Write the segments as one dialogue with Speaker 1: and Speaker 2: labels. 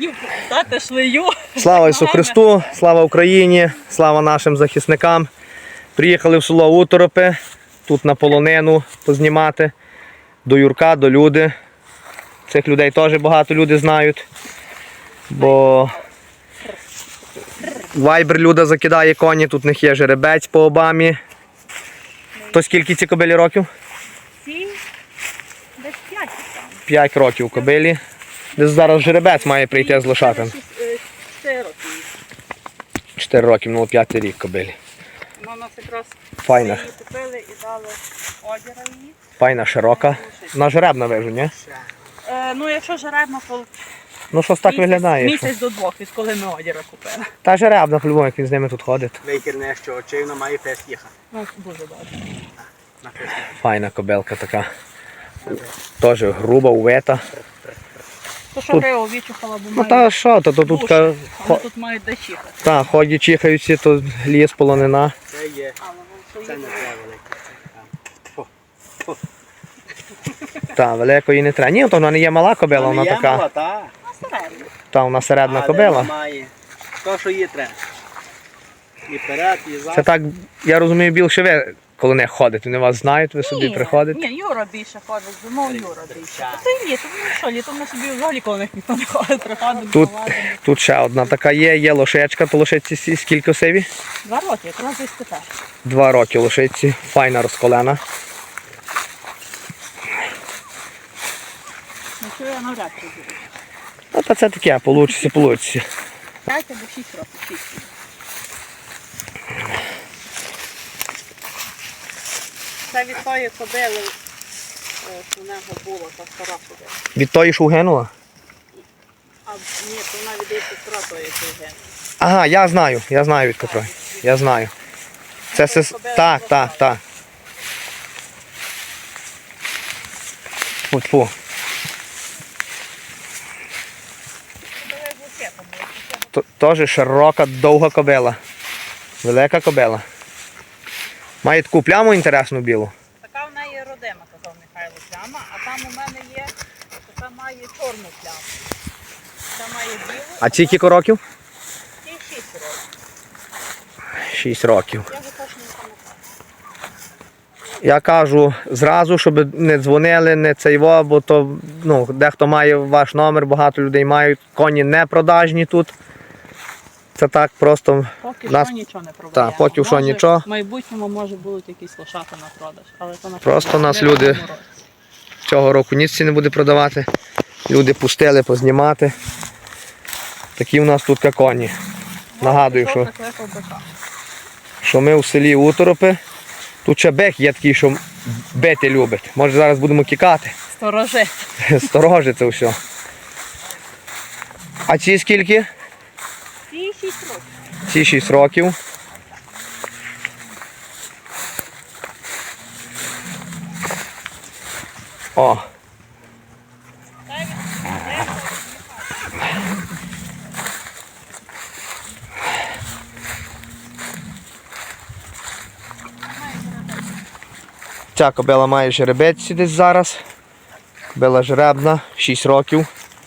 Speaker 1: хотів показати шлею.
Speaker 2: Слава Ісусу Христу, слава Україні, слава нашим захисникам. Приїхали в село Уторопи, тут на полонину познімати. До Юрка, до Люди. Цих людей теж багато люди знають. Бо Вайбер Люда закидає коні, тут в них є жеребець по обамі. То скільки ці кобилі років?
Speaker 1: Ці десь 5.
Speaker 2: 5 років кобилі. Десь зараз жеребець має прийти з лошатим.
Speaker 1: 4 роки.
Speaker 2: 4 років, ну 5 рік кобилі.
Speaker 1: Вона у нас якраз
Speaker 2: Файна.
Speaker 1: її купили і дали одяра її.
Speaker 2: Файна, широка. Вона жеребна вижу, ні?
Speaker 1: Ну якщо жеребна, то
Speaker 2: Ну щось так виглядає.
Speaker 1: місяць до 2, відколи ми одяра купили.
Speaker 2: Та жеребна, по-любому, як він з ними тут ходить.
Speaker 3: Вейкерне, що очей, вона має фест їхати.
Speaker 1: Ну, дуже добре.
Speaker 2: Файна кобилка така. Теж груба, увета.
Speaker 1: То що
Speaker 2: Тут-
Speaker 1: Грео відчухала, бо
Speaker 2: Ну
Speaker 1: має
Speaker 2: та що, то тут
Speaker 1: душ,
Speaker 2: ка-
Speaker 1: але тут мають де чихати.
Speaker 2: та, ходять, чихаються, то ліс, полонина.
Speaker 3: Це є,
Speaker 1: Але воно
Speaker 3: це
Speaker 1: що
Speaker 3: не
Speaker 1: є.
Speaker 3: треба велике.
Speaker 2: Та, великої не треба. Ні, то вона не є мала кобила, вона
Speaker 3: Є
Speaker 2: така.
Speaker 3: мала, та.
Speaker 1: На середньо.
Speaker 2: Та, вона середна
Speaker 3: Але
Speaker 2: кобила.
Speaker 3: вона має то, що їй треба. І вперед, і
Speaker 2: Це
Speaker 3: зад.
Speaker 2: так, я розумію, більше ви, коли не ходите, вони вас знають, ви собі приходите.
Speaker 1: Ні, Юра більше ходить, зимою Юра більше. А то й літом, ну що, літом ми собі взагалі коли них ніхто не ходить, приходимо,
Speaker 2: Тут,
Speaker 1: повадимо.
Speaker 2: тут ще одна така є лошечка, то лошиці скільки сиві?
Speaker 1: 2 роки, якраз десь тепер.
Speaker 2: 2 роки лошиці, файна розколена.
Speaker 1: Ну що я навряд чи буду.
Speaker 2: Ну, та це таке, получиться.
Speaker 1: 5 або 6 років, 6. Це від тої кобили, що в нього було, та стара кобила.
Speaker 2: Від тої, що угинула?
Speaker 1: А ні, то вона від сестра тої кобили.
Speaker 2: Ага, я знаю від котрої. Я знаю. Це так. Фу. Теж широка, довга кобила. Велика кобила. Має таку пляму інтересну білу.
Speaker 1: Така в неї родима, казав Михайло, пляма, а там у мене є, що там має чорну пляму. Там має білу,
Speaker 2: А ці кілька років?
Speaker 1: і 6 років.
Speaker 2: 6 років.
Speaker 1: Я вже точно не пам'ятаю.
Speaker 2: Я кажу зразу, щоб не дзвонили, не цейво, бо то дехто має ваш номер, багато людей мають. Коні не продажні тут. Це так просто.
Speaker 1: Поки
Speaker 2: Нас-
Speaker 1: що нічого не продаємо.
Speaker 2: Так, поки що
Speaker 1: Може,
Speaker 2: нічого.
Speaker 1: В майбутньому може будуть якісь лошата на продаж. Але то на
Speaker 2: Просто
Speaker 1: продаж
Speaker 2: нас
Speaker 1: не
Speaker 2: люди-
Speaker 1: в цьому році.
Speaker 2: Цього року ніц не буде продавати. Люди пустили познімати. Такі у нас тут коні. Нагадую,
Speaker 1: Пішов
Speaker 2: що,
Speaker 1: накликав бика.
Speaker 2: що ми у селі Уторопи. Тут ще бек є такий, що бити любить. Може зараз будемо кікати.
Speaker 1: Сторожи.
Speaker 2: Сторожи це все. А ці скільки?
Speaker 1: Ці 6 років.
Speaker 2: Ці 6 років. О. Ця кобила має жеребець десь зараз. Кобила жеребна, 6 років.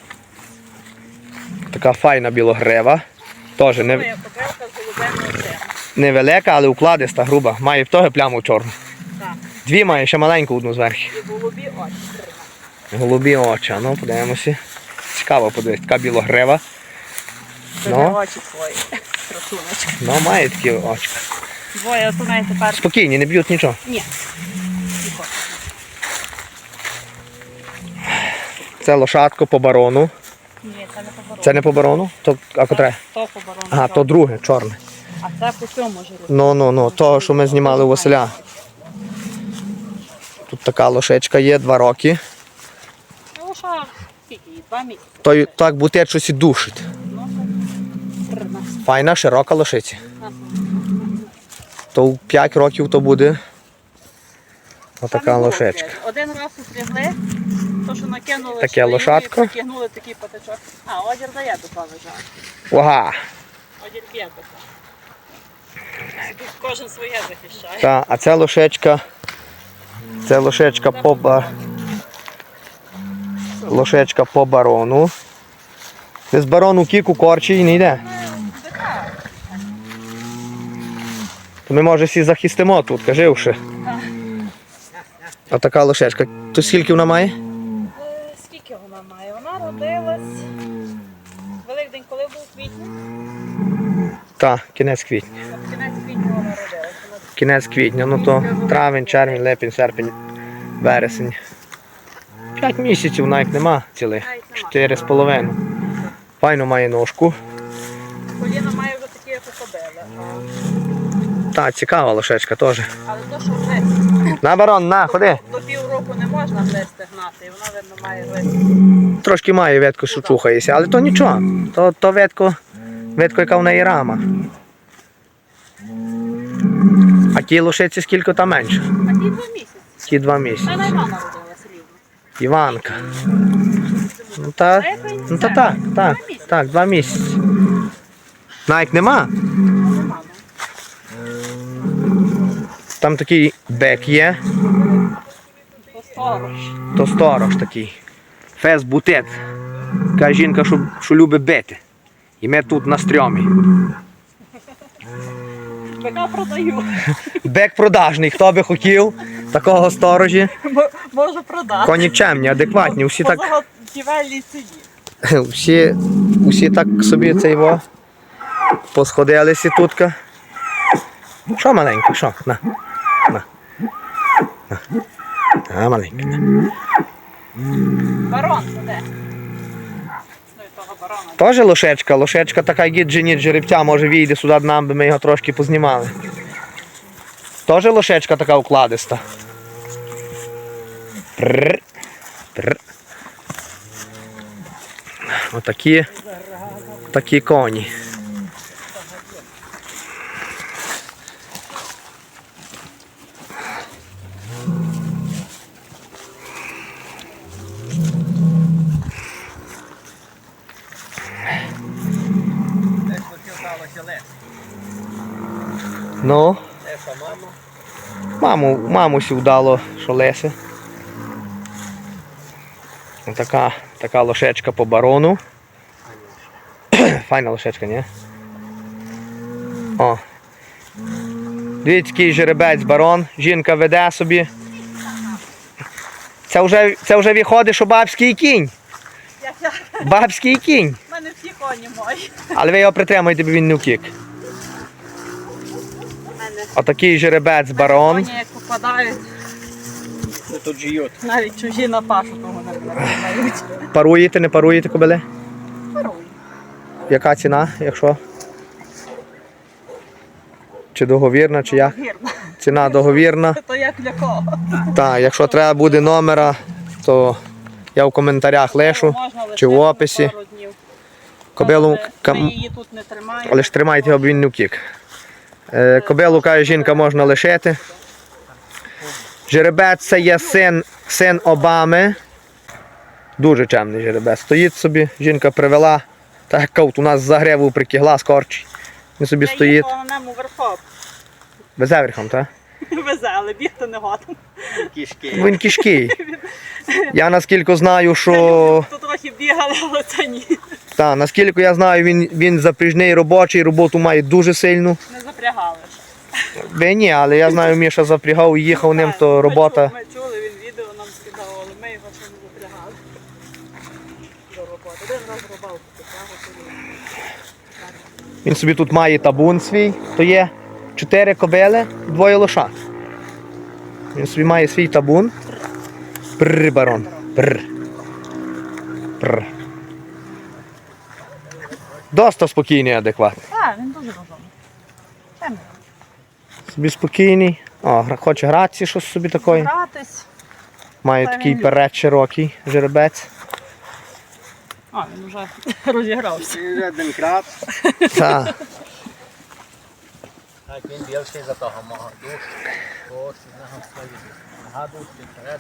Speaker 2: Така файна білогрева. Теж
Speaker 1: Моя кобилка з голубими очима.
Speaker 2: невелика, але укладиста, груба. Має теж пляму чорну.
Speaker 1: Так.
Speaker 2: 2 має, ще маленьку одну зверху.
Speaker 1: І голубі очі.
Speaker 2: Голубі очі, ну подивимося. Цікаво подивитися, така білогрева.
Speaker 1: Це
Speaker 2: Ну.
Speaker 1: не очі свої. Красуночка.
Speaker 2: Ну, має такі очка.
Speaker 1: Двоє от у неї тепер.
Speaker 2: Спокійні, не б'ють нічого.
Speaker 1: Ні. Тихо.
Speaker 2: Це лошадко по барону.
Speaker 1: Ні, це не по барону.
Speaker 2: Це не по барону? То, а котре?
Speaker 1: То по барону.
Speaker 2: Ага, то друге, чорне.
Speaker 1: А це по цьому жиру.
Speaker 2: Ну, того, що ми знімали у Василя. Тут така лошечка є, 2 роки.
Speaker 1: Ну, що, скільки їй? 2 місяці.
Speaker 2: То так буде щось і душить.
Speaker 1: Ну, це 13.
Speaker 2: Файна, широка лошиця.
Speaker 1: Ага.
Speaker 2: То в 5 років то буде отака
Speaker 1: Там і
Speaker 2: лошечка.
Speaker 1: було. Один раз устрігли, то що накинули
Speaker 2: Таке
Speaker 1: шлею
Speaker 2: лошадко.
Speaker 1: і притягнули такий патичок. А, одір дає тут лежать.
Speaker 2: Ага.
Speaker 1: Одір п'є таке. Тут кожен своє захищає.
Speaker 2: Та, а ця лошечка лошечка по барону. Десь барон у кіку корчі і не йде.
Speaker 1: Така.
Speaker 2: То ми, може, всі захистимо тут, кажи вже. А така лошечка. То скільки вона має?
Speaker 1: Скільки вона має? Вона родилась. Великдень, коли був квітня?
Speaker 2: Так, кінець квітня.
Speaker 1: От кінець квітня вона родилась. Вона
Speaker 2: Кінець квітня, ну то травень, червень, липень, серпень, вересень. 5 місяців навіть нема цілих. 4,5. Файно має ножку.
Speaker 1: коліна має вже такі, як у кобили.
Speaker 2: Так, цікава лошечка теж.
Speaker 1: Але то, що гризти.
Speaker 2: На, барон, на, ходи.
Speaker 1: До півроку не можна гризти гнати, і вона, видно, має гризти.
Speaker 2: Трошки має ветку, що чухається, але то нічого. То ветко, яка в неї рама. А ті лошиці скільки там менше?
Speaker 1: А ті 2 місяці.
Speaker 2: Ті 2 місяці.
Speaker 1: Та Івана родилась рівно.
Speaker 2: Іванка. Ну так, так, 2 місяці. Навіть нема.
Speaker 1: Нема.
Speaker 2: Там такий бек є,
Speaker 1: То сторож.
Speaker 2: то сторож такий. Фес бутет. Каже жінка, що любить бити. І ми тут на стрьомі.
Speaker 1: Бика продаю.
Speaker 2: Бек продажний, хто би хотів такого сторожі.
Speaker 1: Можу продати.
Speaker 2: Коні чемні, адекватні, всі
Speaker 1: По
Speaker 2: так,
Speaker 1: заготівельній ціні.
Speaker 2: всі так собі цей во посходилися тутка. Що маленьке, що? На. А, маленьке. На.
Speaker 1: Барон де? Ну і того барона.
Speaker 2: Тоже лошечка така гіджені жеребця, може вийде сюди до нам, би ми його трошки познімали. Тоже лошечка така укладиста. Прррр. Прррр. Отакі такі коні. Ну, мамусі вдало, що Леся. Така лошечка по барону. Файна лошечка, ні? О. Дивіться, який жеребець барон, жінка веде собі. Це вже виходить, що бабський кінь. Бабський кінь.
Speaker 1: У мене всі коні мої.
Speaker 2: Але ви його притримуєте, бо він не втік. Отакий жеребець барон.
Speaker 1: Коні як попадають,
Speaker 3: Тут жиють.
Speaker 1: навіть чужі на пашу того не знають.
Speaker 2: Паруєте, не паруєте кобили?
Speaker 1: Паруй.
Speaker 2: Яка ціна, якщо? Чи договірна, чи як?
Speaker 1: Вірно.
Speaker 2: Ціна договірна.
Speaker 1: То як для кого?
Speaker 2: Так, якщо треба буде номера, то я в коментарях лишу,
Speaker 1: Можна
Speaker 2: чи в
Speaker 1: лишити
Speaker 2: описі.
Speaker 1: пару днів.
Speaker 2: Кобилу,
Speaker 1: Ми її тут не тримаємо.
Speaker 2: але ж тримайте його, бо він не втік. Кобилу, каже жінка, можна лишити. Жеребець це є син Обами. Дуже чемний жеребець. Стоїть собі, жінка привела, так як кавт у нас за гриву прикигла, скорчить. Він собі
Speaker 1: Я
Speaker 2: стоїть.
Speaker 1: їхала на ньому верхом.
Speaker 2: Везе верхом, так?
Speaker 1: Везе, але бігти не годен.
Speaker 3: Кішки.
Speaker 2: Він кишкий. Я наскільки знаю, що...
Speaker 1: Тут трохи бігали, але це ні.
Speaker 2: Так, наскільки я знаю, він запряжний робочий, роботу має дуже сильну.
Speaker 1: Не запрягали.
Speaker 2: Ви ні, але я знаю, Міша запрягав і їхав ним, то робота.
Speaker 1: Ми чули, він відео нам скидав, але ми його ще не запрягали. До роботи. Один раз рибалку потягав.
Speaker 2: Він собі тут має табун свій, то є 4 кобили, 2 лошад. Він собі має свій табун. Прррр, барон. Прррр. Прррр. Доста спокійний, адекватний.
Speaker 1: Так, він дуже розумний. Чемний.
Speaker 2: Собі спокійний. О, хоче гратися, щось собі такої.
Speaker 1: Гратись.
Speaker 2: Має
Speaker 1: Та
Speaker 2: такий
Speaker 1: він
Speaker 2: перед широкий жеребець.
Speaker 1: А, він вже розігрався.
Speaker 3: Він вже один крат.
Speaker 2: Так.
Speaker 3: Так, він більший за того мого. Ось, нога дужчий, вперед.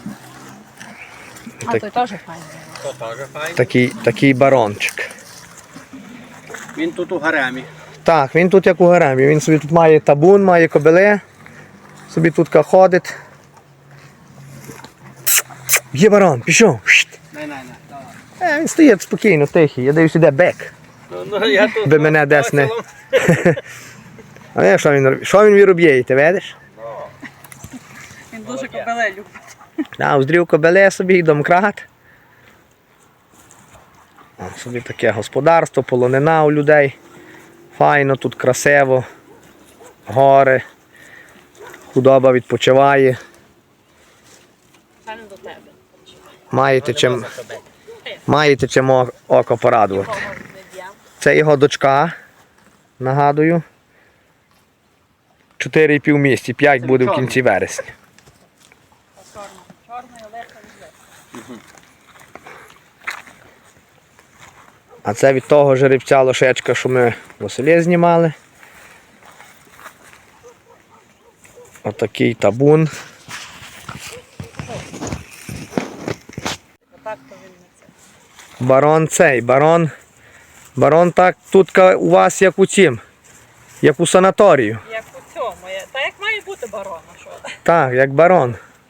Speaker 1: А той теж файний.
Speaker 3: То теж файно.
Speaker 2: Такий барончик.
Speaker 3: Він тут у гаремі.
Speaker 2: Так, він тут як у гаремі. Він собі тут має табун, має кобили. Собі тут ходить. Є барон, пішов.
Speaker 3: Не, давай.
Speaker 2: Ні, він стоїть спокійно, тихий. Я дивлюсь, іде бек.
Speaker 3: Ну, я тут
Speaker 2: Би мене десь не... А я, що він робить? Що він робить, ти видиш?
Speaker 1: Він дуже кобеле любить.
Speaker 2: А, уздрів кобеле собі, домкрат. О, собі таке господарство, полонина у людей. Файно, тут красиво. Гори. Худоба відпочиває.
Speaker 1: Це не до тебе.
Speaker 2: Маєте чим око порадувати.
Speaker 1: Кого не дям.
Speaker 2: Це його дочка, нагадую. 4,5 місяці, 5 буде в кінці вересня.
Speaker 1: Чорний, легко відле.
Speaker 2: А це від того жеребця лошечка, що ми в селі знімали. Отакий табун.
Speaker 1: Отак то він не це.
Speaker 2: Барон цей, барон так тут у вас як у цім, як у санаторію.
Speaker 1: Як у цьому. Та як має бути барона, що?
Speaker 2: Так, як барон.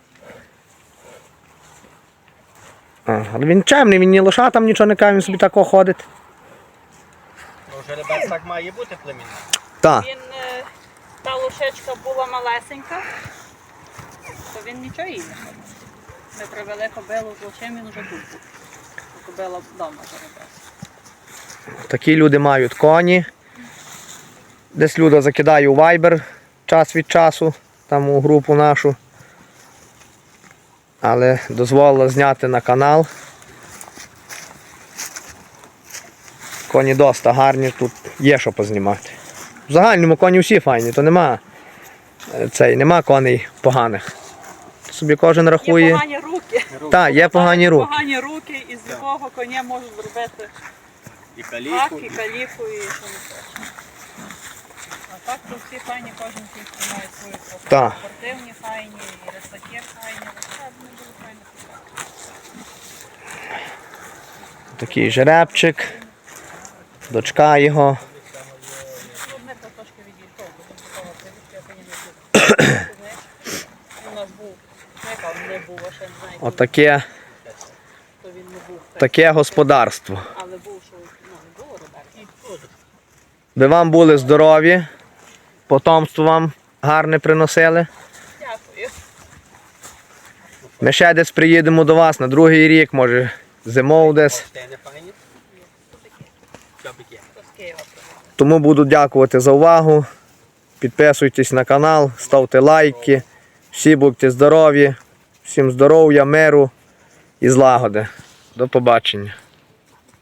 Speaker 2: Але він чемний, він ні лошатам нічого не каже, він собі тако ходить.
Speaker 3: Ну, жеребець так має бути племінний.
Speaker 2: Так.
Speaker 1: Він, та лошечка була малесенька, то він нічого їй не ходив. Ми привели кобилу з лошем, він уже тут був. Кобила вдома жеребець.
Speaker 2: Такі люди мають коні. Десь Люда закидає у Viber час від часу, там у групу нашу. Але дозволила зняти на канал. Коні доста гарні, тут є що познімати. В загальному коні всі файні, то нема коней поганих. Собі кожен
Speaker 1: Є
Speaker 2: рахує.
Speaker 1: погані руки.
Speaker 2: Так, є погані руки.
Speaker 1: Погані руки, і з любого коня можуть зробити
Speaker 3: І
Speaker 1: гак,
Speaker 3: каліку.
Speaker 1: і каліку, і що не хоче. А так то всі файні, кожен тільки має свою красу.
Speaker 2: Так.
Speaker 1: Спортивні файні, і ресакір файні. Це не дуже файно.
Speaker 2: Такий жеребчик. Дочка його.
Speaker 1: Ну, ми то трошки відійшов, бо він такого привідки, я коні не був. У нас був, яка він не був, а ще не знаю,
Speaker 2: Отаке
Speaker 1: то він не був.
Speaker 2: таке господарство.
Speaker 1: Але був, що не було Роберта.
Speaker 2: Би вам були здорові, потомство вам гарне приносили.
Speaker 1: Дякую.
Speaker 2: Ми ще десь приїдемо до вас на другий рік, може зимов десь.
Speaker 3: Стени файні. Чобики.
Speaker 1: То з Києва привезли.
Speaker 2: Тому буду дякувати за увагу. Підписуйтесь на канал, ставте лайки. Всі будьте здорові, всім здоров'я, миру і злагоди. До побачення.